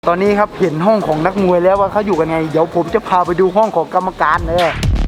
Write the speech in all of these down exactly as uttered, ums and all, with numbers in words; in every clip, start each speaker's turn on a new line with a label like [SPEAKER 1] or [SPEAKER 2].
[SPEAKER 1] ตอนนี้ครับเห็นห้องของนักมวยแล้วว่าเขาอยู่กันไงเดี๋ยวผมจะพาไปดูห้องของกรรมการเลย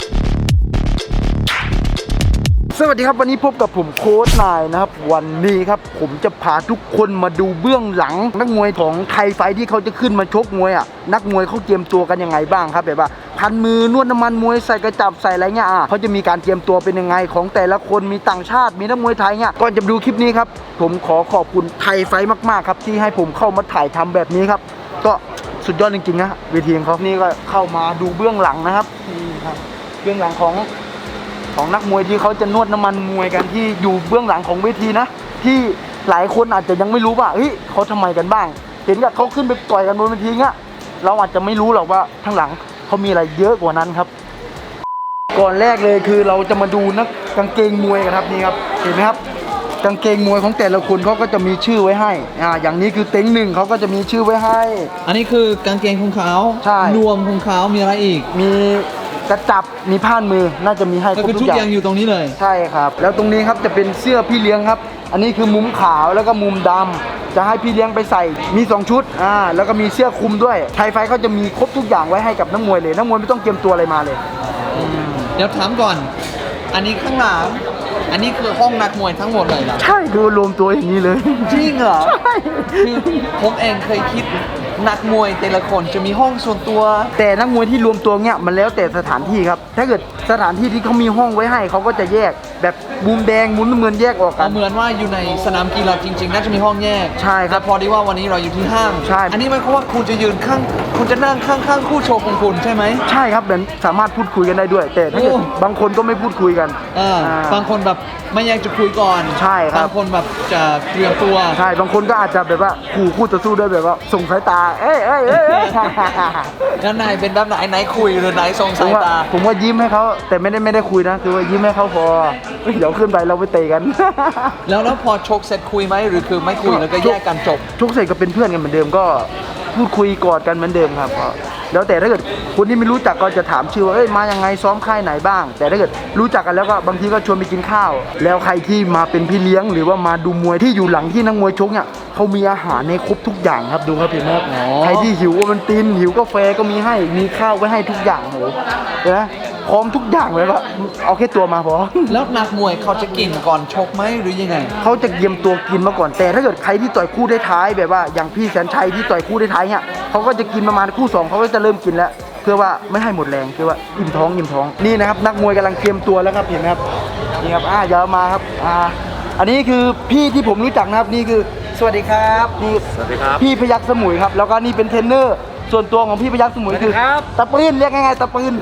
[SPEAKER 1] สวัสดีครับวันนี้พบกับผมโค้ชนายนะครับวันนี้ครับผมจะพาทุกคนมาดูเบื้องหลังนักมวยของไทยไฟที่เขาจะขึ้นมาชกมวยอ่ะนักมวยเขาเตรียมตัวกันยังไงบ้างครับแบบว่าพันมือนวดน้ำมันมวยใส่กระจับใส่อะไรเงี้ยอ่ะเขาจะมีการเตรียมตัวเป็นยังไงของแต่ละคนมีต่างชาติมีนักมวยไทยเงี้ยก่อนจะดูคลิปนี้ครับผมขอขอบคุณไทยไฟมากๆครับที่ให้ผมเข้ามาถ่ายทำแบบนี้ครับก็สุดยอดจริงๆนะเวทีของเขานี่ก็เข้ามาดูเบื้องหลังนะครับนี่ครับเบื้องหลังของของนักมวยที่เขาจะนวดน้ำมันมวยกันที่อยู่เบื้องหลังของเวทีนะที่หลายคนอาจจะยังไม่รู้ว่าเฮ้ยเขาทำไมกันบ้างเห็นกับเขาขึ้นไปต่อยกันบนเวทีเงี้ยเราอาจจะไม่รู้หรอกว่าข้างหลังเขามีอะไรเยอะกว่านั้นครับก่อนแรกเลยคือเราจะมาดูนักกางเกงมวยกันครับนี่ครับเห็นไหมครับกางเกงมวยของแต่ละคนเขาก็จะมีชื่อไว้ให้อ่าอย่างนี้คือเต็งหนึ่งเขาก็จะมีชื่อไว้ให้
[SPEAKER 2] อันนี้คือกางเกงของเขา
[SPEAKER 1] ใช่
[SPEAKER 2] นวมของเขามีอะไรอีก
[SPEAKER 1] มีกระจับมีผ้านมือน่าจะมีให้ครบทุกอย่างก็คือ
[SPEAKER 2] ชุดยังอยู่ตรงนี้เลย
[SPEAKER 1] ใช่ครับแล้วตรงนี้ครับจะเป็นเสื้อพี่เลี้ยงครับอันนี้คือมุมขาวแล้วก็มุมดำจะให้พี่เลี้ยงไปใส่มีสองชุดอ่าแล้วก็มีเสื้อคลุมด้วยไทยไฟเขาจะมีครบทุกอย่างไว้ให้กับนักมวยเลยนักมวยไม่ต้องเตรียมตัวอะไรมาเลย
[SPEAKER 2] เดี๋ยวถามก่อนอันนี้ข้างหลังอันนี้คือห้องนักมวยทั้งหมดเลยเหรอ
[SPEAKER 1] ใช่ดูรวมตัวอย่างนี้เลย
[SPEAKER 2] จริงเหรอ
[SPEAKER 1] ใช่
[SPEAKER 2] คือผมเองเคยคิดนักมวยแต่ละคนจะมีห้องส่วนตัว
[SPEAKER 1] แต่นักมวยที่รวมตัวเนี้ยมันแล้วแต่สถานที่ครับถ้าเกิดสถานที่ที่เขามีห้องไว้ให้เขาก็จะแยกแบบมุมแดงมุมน้ำเงินแยกออกกัน
[SPEAKER 2] เหมือนว่าอยู่ในสนามกีฬาจริงๆน่าจะมีห้องแยก
[SPEAKER 1] ใช่ครับ
[SPEAKER 2] แต่พอดีว่าวันนี้เราอยู่ที่ห้าง
[SPEAKER 1] ใช่
[SPEAKER 2] อันนี้หมายความว่าคุณจะยืนข้างคุณจะนั่งข้างๆคู่โชว์ของคุณใช่ไหม
[SPEAKER 1] ใช่ครับแบบสามารถพูดคุยกันได้ด้วยแต่ถ้าเกิดบางคนก็ไม่พูดคุยกัน
[SPEAKER 2] อ่าบางคนแบบไม่อยากจะคุยก่อน
[SPEAKER 1] ใช่ครับ
[SPEAKER 2] บางคนแบบจะเตรียมตัว
[SPEAKER 1] ใช่บางคนก็อาจจะแบบว่าขู่คู่ต่อสู้ด้วยแบบว่าส่งสายตาเอ้ยเอ้ยเอ้ย
[SPEAKER 2] แล้วนายเป็นแบบไหนไหนคุยหรือไหนส่งสายตา
[SPEAKER 1] ผมว่ายิ้มให้เขาแต่ไม่ได้ไม่ได้คุยนะคือว่ายิ้มให้เขาพอเดี๋ยวขึ้นไปเราไปเตะกัน
[SPEAKER 2] แล้วแล้วพอชกเสร็จคุยไหมหรือคือไม่คุยแล้วก็แยกกันจบ
[SPEAKER 1] ชกเสร็จก็เป็นเพื่อนกันเหมือนเดิมก็พูดคุยกอดกันเหมือนเดิมครับแล้วแต่ถ้าเกิดคนที่ไม่รู้จักก็จะถามชื่อว่าเอ้ยมายังไงซ้อมค่ายไหนบ้างแต่ถ้าเกิดรู้จักกันแล้วก็บางทีก็ชวนไปกินข้าวแล้วใครที่มาเป็นพี่เลี้ยงหรือว่ามาดูมวยที่อยู่หลังที่นักมวยชกเนี่ยเขามีอาหารในครบทุกอย่างครับดูครับพี่แม่ใครที่หิวมันตินหิวกาแฟก็มีให้มีข้าวไว้ให้ทุกอย่างโหเห็นไหมพร้อมทุกอย่างเลยก็เอาแค่ตัวมาพอ
[SPEAKER 2] แล้วนักมวยเขาจะกินก่อนชกไหมหรือยังไง
[SPEAKER 1] เขาจะเตรียมตัวกินมาก่อนแต่ถ้าเกิดใครที่ต่อยคู่ได้ท้ายแบบว่าอย่างพี่แสนชัยที่ต่อยคู่ได้ท้ายเนี่ยเขาก็จะกินประมาณคู่สองเขาก็จะเริ่มกินแล้วเพื่อว่าไม่ให้หมดแรงคือว่าอิ่มท้องอิ่มท้องนี่นะครับนักมวยกำลังเตรียมตัวแล้วครับเห็นไหมครับนี่ครับอ่าอย่ามาครับอ่าอันนี้คือพี่ที่ผมรู้จักนะครับนี่คือสวัสดีครับนี่
[SPEAKER 3] สวัสดีครับ
[SPEAKER 1] พี่พยัคฆ์สมุยครับแล้วก็นี่เป็นเทรนเนอร์ส่วนตัวของพี่พยัคฆ์สมุยคือตะปืนเรียกง่ายๆตะปืน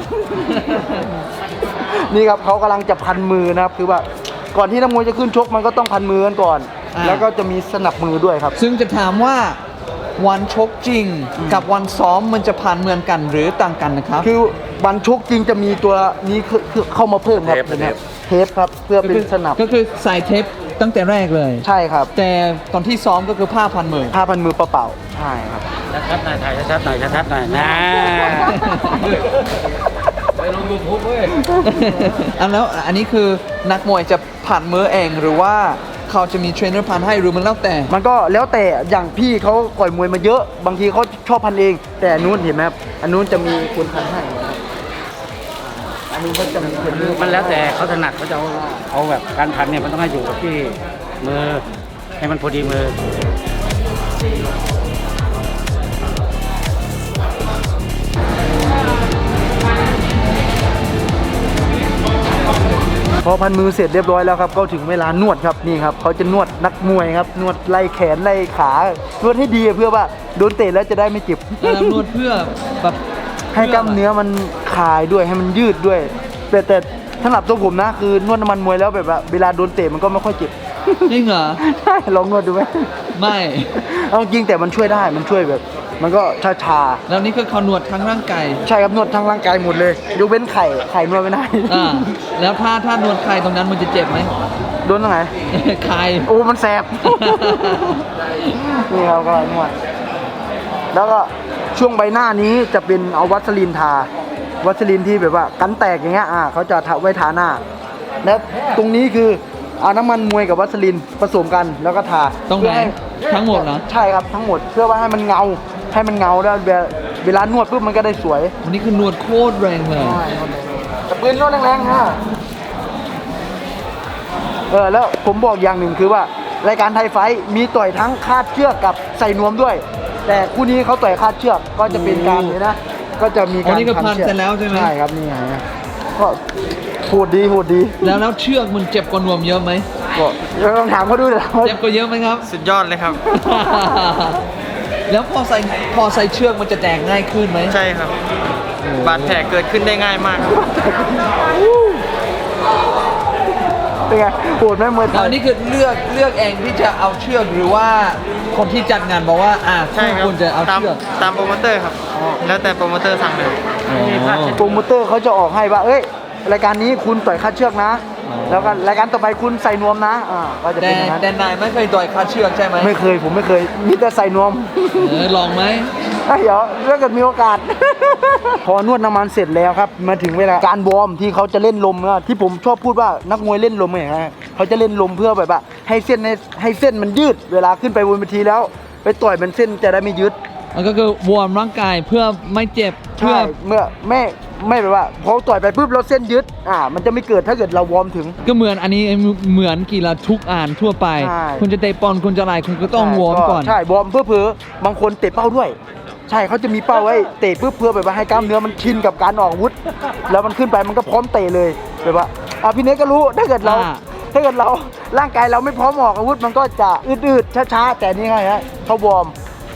[SPEAKER 1] นี่ครับเขากำลังจะพันมือนะครับคือว่าก่อนที่นักมวยจะขึ้นชกมันก็ต้องพันมือกันก่อนแล้วก็จะมีสนับมือด้วยครับ
[SPEAKER 2] ซึ่งจะถามว่าวันชกจริงกับวันซ้อมมันจะผ่านเหมือนกันหรือต่างกันนะครับ
[SPEAKER 1] คือวันชกจริงจะมีตัวนี้คือเข้ามาเพิ่มครับเทปครับเพื่อเป็นสนับ
[SPEAKER 2] ก็คือใส่เทปตั้งแต่แรกเลย
[SPEAKER 1] ใช่ครับ
[SPEAKER 2] แต่ตอนที่ซ้อมก็คือผ้าพันมือ
[SPEAKER 1] ผ้าพันมือเปล่าๆใช่ครับ
[SPEAKER 3] ชัดๆหน่อยถ่ายชัดๆหน่อยชัดๆหน่อยนะไปลงยูทูบเว้ย
[SPEAKER 2] อันแล้วอันนี้คือนักมวยจะผ่านมือเองหรือว่าเขาจะมีเทรนเนอร์พันให้หรือมันแล้วแต่
[SPEAKER 1] มันก็แล้วแต่อย่างพี่เขาก่อยมวยมาเยอะบางทีเขาชอบพันเองแต่อันนู้นเห็นไหมครับอันนู้นจะมีคนพันให้อันนี้ก็จะมีคน
[SPEAKER 3] มันแล้วแต่เขาถนัดเขาจะเอาเอาแบบการพันเนี่ยมันต้องให้อยู่กับที่มือให้มันพอดีมือ
[SPEAKER 1] พอพันมือเสร็จเรียบร้อยแล้วครับก็ถึงเวลานวดครับนี่ครับเขาจะนวดนักมวยครับนวดไล่แขนไล่ขานวดให้ดีเพื่อว่าโดนเตะแล้วจะได้ไม่เจ็บ
[SPEAKER 2] นวดเพื่อแบบ
[SPEAKER 1] ให้กล้ามเนื้อมันคลายด้วยให้มันยืดด้วยแต่แต่สำหรับตัวผมนะคือนวดน้ำมันมวยแล้วแบบว่าเวลาโดนเตะมันก็ไม่ค่อยเจ็บ
[SPEAKER 2] จริงเหรอ
[SPEAKER 1] ใช่ลองนวดดูไหม
[SPEAKER 2] ไม่
[SPEAKER 1] เอาจริงแต่มันช่วยได้มันช่วยแบบมันก็ชาชา
[SPEAKER 2] แล้วนี่คือเขานวดทั้งร่างกาย
[SPEAKER 1] ใช่ครับนวดทั้งร่างกายหมดเลยยกเว้นไข่ไข่นวดไม่ได้
[SPEAKER 2] อ่าแล้วถ้าถ้านวดไข่ตรงนั้นมันจะเจ็บไหม
[SPEAKER 1] โดนตรงไหน
[SPEAKER 2] ไข่
[SPEAKER 1] โอ้มันแสบนี่ครับก็นวดแล้วก็ช่วงใบหน้านี้จะเป็นเอาวัสลีนทาวัสลีนที่แบบว่ากันแตกอย่างเงี้ยอ่าเขาจะทาไว้ทาหน้าแล้วตรงนี้คือเอาน้ำมันมวยกับวัสลีนผสมกันแล้วก็ทา
[SPEAKER 2] ตรงไหนทั้งหมดเหรอ
[SPEAKER 1] ใช่ครับทั้งหมดเพื่อว่าให้มันเงาให้มันเงาแล้วเวลานวดปุ๊บมันก็ได้สวย
[SPEAKER 2] วันนี้คือนวดโคตรแรงเลย
[SPEAKER 1] แต่ปืนนวดแรงๆนะเออแล้วผมบอกอย่างหนึ่งคือว่ารายการไทยไฟท์มีต่อยทั้งคาดเชือกกับใส่นวมด้วย แต่คู่นี้เขาต่อยคาดเชือกก็จะเป็นการเลยนะก็จะมี
[SPEAKER 2] อ๋
[SPEAKER 1] การ
[SPEAKER 2] อนี่ก็พัน
[SPEAKER 1] ชือก
[SPEAKER 2] เสร็จแล้วใช่ไหม
[SPEAKER 1] ใช่ครับนี่ไงก็โหดดีโหดดี
[SPEAKER 2] แล้วแล้วเชือกมันเจ็บกว่านวมเยอะไหม
[SPEAKER 1] ก็เดี๋ยวลองถามเขาดูนะ
[SPEAKER 2] เจ็บกว่าเยอะไหมครับ
[SPEAKER 4] สุดยอดเลยครับ
[SPEAKER 2] แล้วพอใส่พอใส่เชือกมันจะแตกง่ายขึ้นไหม
[SPEAKER 4] ใช่ครับ บาดแผลเกิดขึ้นได้ง่ายมากครับ
[SPEAKER 1] เป็นไงโหดไหมมวยไท
[SPEAKER 2] แล้ว
[SPEAKER 1] ย
[SPEAKER 2] อันนี้คือเลือกเลือกเองที่จะเอาเชือกหรือว่าคนที่จัดงานบอกว่าอ่า
[SPEAKER 4] ใช่ครับ
[SPEAKER 2] คุณจะเอา
[SPEAKER 4] ตาม
[SPEAKER 2] เชือก
[SPEAKER 4] ตามโปรโมเตอร์ครับ แล้วแต่โปรโมเตอร์สั่งเลย
[SPEAKER 1] โปรโมเตอร์เขาจะออกให้ว่าเอ้ยรายการนี้คุณต่อยคาดเชือกนะ แล้วก็รายการต่อไปคุณใส่นวมนะอ่าก็จะ
[SPEAKER 2] แต่
[SPEAKER 1] เป็นอย่างนั้น
[SPEAKER 2] แต่นายไม่เคยต่อยคาดเชือกใช่ไหม
[SPEAKER 1] ไม่เคยผมไม่เคยมีแต่ใส่นวม
[SPEAKER 2] เออลองไหม
[SPEAKER 1] เดี๋ยวถ้าเกิดมีโอกาส พอนวดน้ำมันเสร็จแล้วครับมาถึงเวลาการวอร์มที่เขาจะเล่นลมนะที่ผมชอบพูดว่านักมวยเล่นลมไงฮะเขาจะเล่นลมเพื่อแบบว่าให้เส้นให้ให้เส้นมันยืด เวลาขึ้นไปบนเวทีแล้ว ไปต่อยมันเส้นจะได้ไม่ยืด
[SPEAKER 2] มันก็คือวอร์มร่างกายเพื่อไม่เจ็บเพื่
[SPEAKER 1] ใช่
[SPEAKER 2] อ
[SPEAKER 1] เมื่อไม่ไม่แบบว่าพอต่อยไปปุ๊บเราเส้นยืดอ่ามันจะไม่เกิดถ้าเกิดเราวอร์มถึง
[SPEAKER 2] ก็เหมือนอันนี้เหมือนกีฬาทุกอ่านทั่วไป
[SPEAKER 1] ใช่
[SPEAKER 2] คุณจะเตะบอลคุณจะอะไรคุณก็ต้องวอร์มก่อน
[SPEAKER 1] ใช่วอร์มเพื่อเพื่อบางคนเตะเป้าด้วย ใช่เขาจะมีเป้าไว้เตะเพื่อเพื่อแบบว่าให้กล้ามเนื้อมันชินกับการออกอาวุธ แล้วมันขึ้นไปมันก็พร้อมเตะเลยแบบว่าอ่ะพี่เนกก็รู้ถ้าเกิดเรา
[SPEAKER 2] อ่า
[SPEAKER 1] ถ้าเกิดเราร่างกายเราไม่พร้อมออกอาวุธมันก็จะอืดๆช้าๆแต่นี่ไงฮะเขาวอร์ม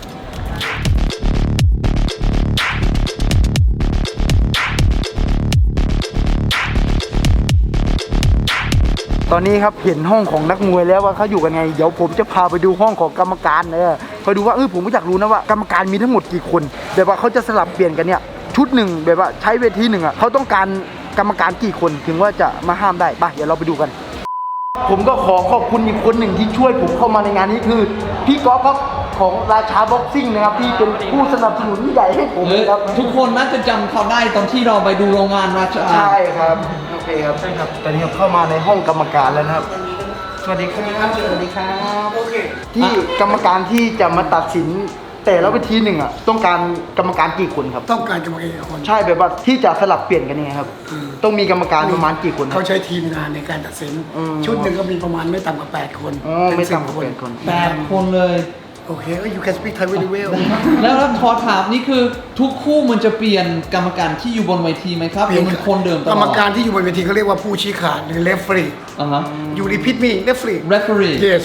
[SPEAKER 1] ตอนนี้ครับเห็นห้องของนักมวยแล้วว่าเขาอยู่กันไงเดี๋ยวผมจะพาไปดูห้องของกรรมการเออไปดูว่าเออผมก็อยากรู้นะว่ากรรมการมีทั้งหมดกี่คนแบบว่าเขาจะสลับเปลี่ยนกันเนี่ยชุดหนึ่งแบบว่าใช้เวทีหนึ่งอ่ะเขาต้องการกรรมการกี่คนถึงว่าจะมาห้ามได้ไปเดี๋ยวเราไปดูกัน ผมก็ขอขอบคุณอีกคนหนึ่งที่ช่วยผมเข้ามาในงานนี้คือพี่ก๊อฟครับของราชาบ็อกซิ่งนะครับที่เป็นผู้สนับสนุนใหญ่ให้ผม
[SPEAKER 2] เออ
[SPEAKER 1] ครับ
[SPEAKER 2] ทุกคนน่าจะจำเขาได้ตอนที่เราไปดูโรงงานราชา
[SPEAKER 1] ใช่ครับโอเคครับใช่ครับตอนนี้ครับเข้ามาในห้องกรรมการแล้วนะครับสวัสดีครับสวัสดีครับโอเคที่กรรมการที่จะมาตัดสินแต่ละเวทีหนึ่งอ่ะต้องการกรรมการกี่คนครับ
[SPEAKER 5] ต้องการกรรมการกี่คน
[SPEAKER 1] ใช่แบบว่าที่จะสลับเปลี่ยนกันยังไงครับ ต้องมีกรรมการประมาณกี่คนครั
[SPEAKER 5] เขา
[SPEAKER 1] บ
[SPEAKER 5] ใช้ทีมงานในการตัดสิน
[SPEAKER 1] อืม
[SPEAKER 5] ชุดหนึ่งก็มีประมาณไม่ต่ำกว่าแปดคน
[SPEAKER 1] อ๋อไม่ต่ำกว่าแปดคน
[SPEAKER 2] แปดคนเลย
[SPEAKER 5] โอเคก็ you can speak Thai very well
[SPEAKER 2] แล้วแล้วขอถามนี่คือทุกคู่มันจะเปลี่ยนกรรมการที่อยู่บนเวทีไหมครับหรือมันคนเดิมตลอด
[SPEAKER 5] กรรมการที่อยู่บนเวทีเขาเรียกว่าผู้ชี้ขาดหรือ referee
[SPEAKER 2] อ่าฮะ
[SPEAKER 5] you repeat me referee
[SPEAKER 2] referee
[SPEAKER 5] yes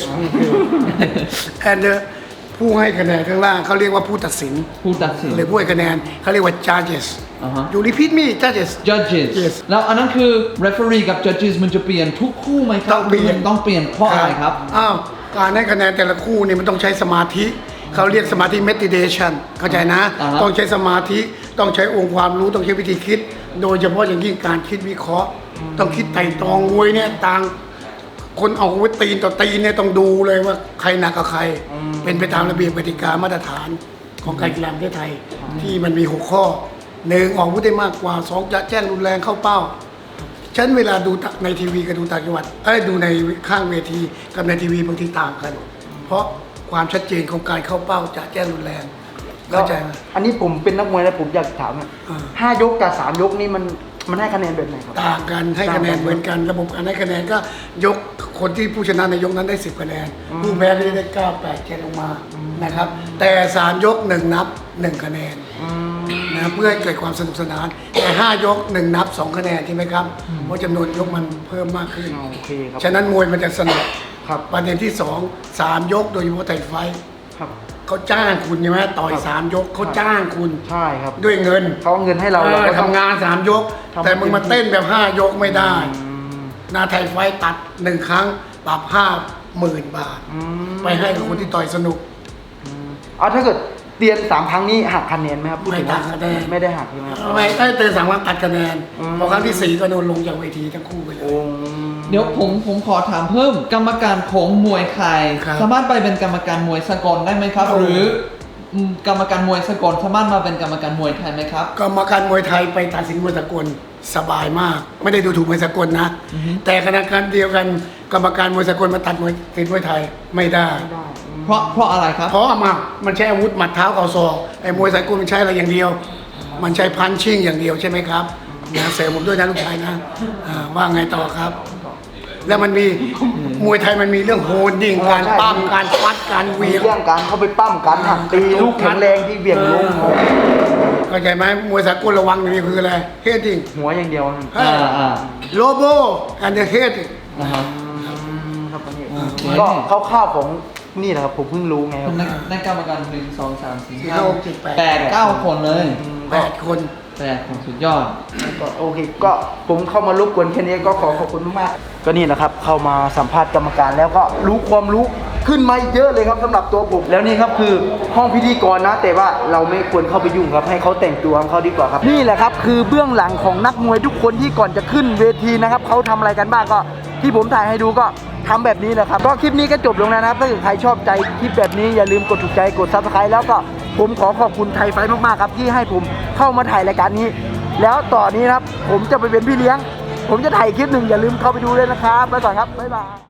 [SPEAKER 5] and uh, ผู้ให้คะแนนข้างล่างเขาเรียกว่าผู้ตัดสิน
[SPEAKER 2] ผู้ตัดสิน
[SPEAKER 5] หรือผู้ให้คะแนนเขาเรียกว่า judges
[SPEAKER 2] อ่าฮะ
[SPEAKER 5] you repeat me judges
[SPEAKER 2] judges
[SPEAKER 5] Yes
[SPEAKER 2] แล้วอันนั้นคือ referee กับ judges มันจะเปลี่ยนทุกคู่ไหมครับ
[SPEAKER 5] ต้องเปลี่ยน
[SPEAKER 2] ต้องเปลี่ยนเพราะอะไรครับ
[SPEAKER 5] อ้าวการให้คะแนนแต่ละคู่นี่มันต้องใช้สมาธิเขาเรียกสมาธิ meditation เข้าใจนะ
[SPEAKER 2] อ่าฮะ
[SPEAKER 5] ต้องใช้สมาธิต้องใช้องค์ความรู้ต้องใช้วิธีคิด โดยเฉพาะอย่างยิ่งการคิดวิเคราะห์ ต้องคิดไต่ตรองมวยเนี่ยต่างคนเอาไว้ตีนต่อตีนเนี่ยต้องดูเลยว่าใครหนักกับใคร เป็นไปตามระเบียบกติกามาตรฐานของการกีฬาประเทศไทย ที่มันมีหกข้อหนึ่งออกอาวุธได้มากกว่าสองจะแจ้งรุนแรงเข้าเป้า ฉันเวลาดูในทีวีกับดูต่างจังหวัดเอ้ยดูในข้างเวทีกับในทีวีบางทีต่างกัน เพราะความชัดเจนของการเข้าเป้าจะแจ้งรุนแรงเข้าใจไหม
[SPEAKER 1] อันนี้ผมเป็นนักมวยแล้วผมอยากถามอะ
[SPEAKER 5] อ่า
[SPEAKER 1] ห้ายกกับสามยกนี่มันมันให้คะแนนแบบไหนครับ
[SPEAKER 5] ต่างกันให้คะแนนเหมือนกัน ระบบการให้คะแนนก็ยกคนที่ผู้ชนะในยกนั้นได้สิบคะแนน ผู้แพ้ก็จะได้เก้า แปด เจ็ดลงมานะครับ แต่สามยกหนึ่งนับหนึ่งคะแนนนะเพื่อให้เกิดความสนุกสนานแต่ห้ายกหนึ่งนับสองคะแนนใช่ไหมครับเพราะจำนวนยกมันเพิ่มมากขึ้น
[SPEAKER 1] โอเคครับ
[SPEAKER 5] ฉะนั้นมวยมันจะสนุก
[SPEAKER 1] ครับ
[SPEAKER 5] ประเด็นที่สองสามยกโดยเฉพาะไทยไฟท์
[SPEAKER 1] ครับ
[SPEAKER 5] เขาจ้างคุณใช่ไหมต่อยสามยกเขาจ้างคุณ
[SPEAKER 1] ใช่ครับ
[SPEAKER 5] ด้วยเงิน
[SPEAKER 1] เขาเอาเงินให้เรา
[SPEAKER 5] เอ
[SPEAKER 1] เรา
[SPEAKER 5] อ
[SPEAKER 1] ก็ต้อง
[SPEAKER 5] ทำงานสามยก
[SPEAKER 1] ทำ
[SPEAKER 5] แต่มึงมาเต้นแบบห้ายกไม่ได้
[SPEAKER 1] อืม
[SPEAKER 5] นาไทยไฟท์ตัดหนึ่งครั้งปรับห้าหมื่นบาท
[SPEAKER 1] อืม
[SPEAKER 5] ไปให้กับคนที่ต่อยสนุก
[SPEAKER 1] เอาถ้าเกิดเตียนสามครั้งนี้หักคะแนนไหมครับพูดถึง
[SPEAKER 5] ไม่หักคะแนน
[SPEAKER 1] ไม่ได้หักใช่ไหมครับ
[SPEAKER 5] ไม่ได้เตือนสามครั้งตัดคะแนน
[SPEAKER 1] อืม
[SPEAKER 5] พอครั้งที่สี่ก็โดนลงจากเวทีทั้งคู่ไปเล
[SPEAKER 1] โอ้
[SPEAKER 5] ย
[SPEAKER 2] เดี๋ยวผมผมขอถามเพิ่มกรรมการของมวยไทย
[SPEAKER 5] ครับ
[SPEAKER 2] สามารถไปเป็นกรรมการมวยสากลได้ไหมครับ
[SPEAKER 5] โอ้
[SPEAKER 2] หรืออืมกรรมการมวยสากลสามารถมาเป็นกรรมการมวยไทยไหมครับ
[SPEAKER 5] กรรมการมวยไทยไปตัดสินมวยสากลสบายมาก ไม่ได้ดูถูกมวยสากลนะ แต่ขณะการเดียวกันกรรมการมวยสากลมาตัดมวยติดมวยไทยไม่ได้
[SPEAKER 2] เพราะเพราะอะไรครับ
[SPEAKER 5] เพราะมามันใช้อาวุธหมัดเท้าเข่าศอกไอ้มวยสากลมันใช้อะไรอย่างเดียว มันใช้พันชิ่งอย่างเดียวใช่ไหมครับนะเสริมผมด้วยนะลูกชายนะอ่าว่าไงต่อครับ แล้วมันมีมวยไทยมันมีเรื่องโฮนดิ้งการปั้มการฟัดการเห
[SPEAKER 1] มี
[SPEAKER 5] วียง
[SPEAKER 1] เรื่องการเข้าไปปั้มการหักตีลูกแข็งแรงที่เบี่ยงลง
[SPEAKER 5] เข้าใจไหมมวยสากลระวังอย่างนี้คืออะไรเฮดดิ้ง
[SPEAKER 1] หัวอย่างเดียว
[SPEAKER 2] อ่าอ่า
[SPEAKER 5] โลโบอันเดอร์เฮด
[SPEAKER 2] นะฮะ
[SPEAKER 1] ครับอันนี้
[SPEAKER 2] โอเค
[SPEAKER 1] ก็คร่าวๆของนี่นะครับผมเพิ่งรู้ไงครับ
[SPEAKER 2] นักนักกรรมการหนึ่งสองสามสี่
[SPEAKER 5] สี่
[SPEAKER 2] ห้า
[SPEAKER 5] ห้าหกเจ็ดแปด
[SPEAKER 2] แปดเก้าคนเลย
[SPEAKER 5] แปดคน
[SPEAKER 2] แปดคนสุดยอด
[SPEAKER 1] ก็โอเคก็ผมเข้ามารบกวนแค่นี้ก็ขอขอบคุณมากๆก็นี่นะครับเข้ามาสัมภาษณ์กรรมการแล้วก็รู้ความรู้ขึ้นมาเยอะเลยครับสำหรับตัวผมแล้วนี่ครับคือห้องพิธีกรนะ แต่ว่าเราไม่ควรเข้าไปยุ่งครับให้เขาแต่งตัวของเขาดีกว่าครับนี่แหละครับคือเบื้องหลังของนักมวยทุกคนที่ก่อนจะขึ้นเวทีนะครับเขาทำอะไรกันบ้างก็ที่ผมถ่ายให้ดูก็ทำแบบนี้แหละครับก็คลิปนี้ก็จบลงแล้วนะครับถ้าเกิดใครชอบใจคลิปแบบนี้อย่าลืมกดถูกใจกดซับสไครต์แล้วก็ผมขอขอบคุณไทยไฟท์มากๆครับที่ให้ผมเข้ามาถ่ายรายการนี้ แล้วต่อนนี้นะครับผมจะไปเป็นพี่เลี้ยง ผมจะถ่ายคลิปหนึ่งอย่าลืมเข้าไปดูด้วยนะครับไปก่อนครับบ๊ายบาย